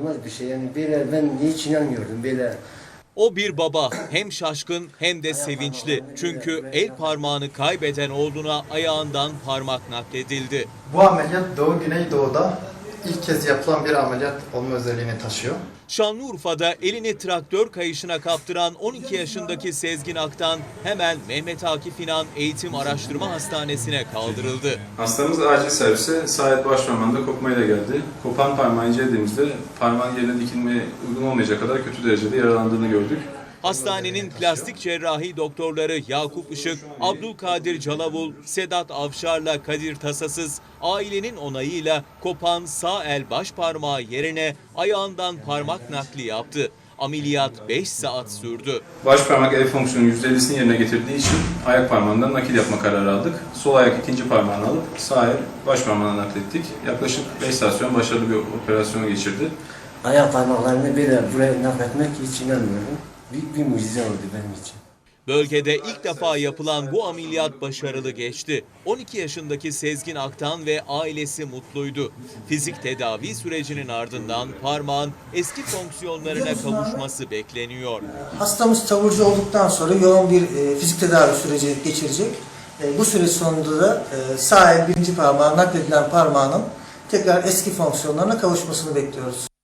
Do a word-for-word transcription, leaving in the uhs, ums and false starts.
olmaz bir şey. Yani böyle ben hiç inanmıyordum böyle. O bir baba, hem şaşkın hem de sevinçli. Çünkü el parmağını kaybeden oğluna ayağından parmak nakledildi. Bu ameliyat Doğu Güneydoğu'da ilk kez yapılan bir ameliyat olma özelliğini taşıyor. Şanlıurfa'da elini traktör kayışına kaptıran on iki yaşındaki Sezgin Aktan hemen Mehmet Akif İnan Eğitim Araştırma Hastanesi'ne kaldırıldı. Hastamız acil servise sağ el baş parmağında kopmayla geldi. Kopan parmağı incelediğimizde parmağın yerine dikilmeye uygun olmayacak kadar kötü derecede yaralandığını gördük. Hastanenin plastik cerrahi doktorları Yakup Işık, Abdülkadir Calavul, Sedat Avşar'la Kadir Tasasız, ailenin onayıyla kopan sağ el baş parmağı yerine ayağından parmak nakli yaptı. Ameliyat beş saat sürdü. Baş parmak el fonksiyonu yüzde ellisini yerine getirdiği için ayak parmağından nakil yapma kararı aldık. Sol ayak ikinci parmağını alıp sağ el baş parmağına naklettik. Yaklaşık beş saat sonra başarılı bir operasyon geçirdi. Ayak parmaklarını böyle buraya nakletmek hiç inanmıyordum. Büyük bir mucize oldu benim için. Bölgede ilk defa yapılan bu ameliyat başarılı geçti. on iki yaşındaki Sezgin Aktan ve ailesi mutluydu. Fizik tedavi sürecinin ardından parmağın eski fonksiyonlarına kavuşması bekleniyor. Hastamız taburcu olduktan sonra yoğun bir e, fizik tedavi süreci geçirecek. E, bu süreç sonunda da e, sağ el birinci parmağı nakledilen parmağının tekrar eski fonksiyonlarına kavuşmasını bekliyoruz.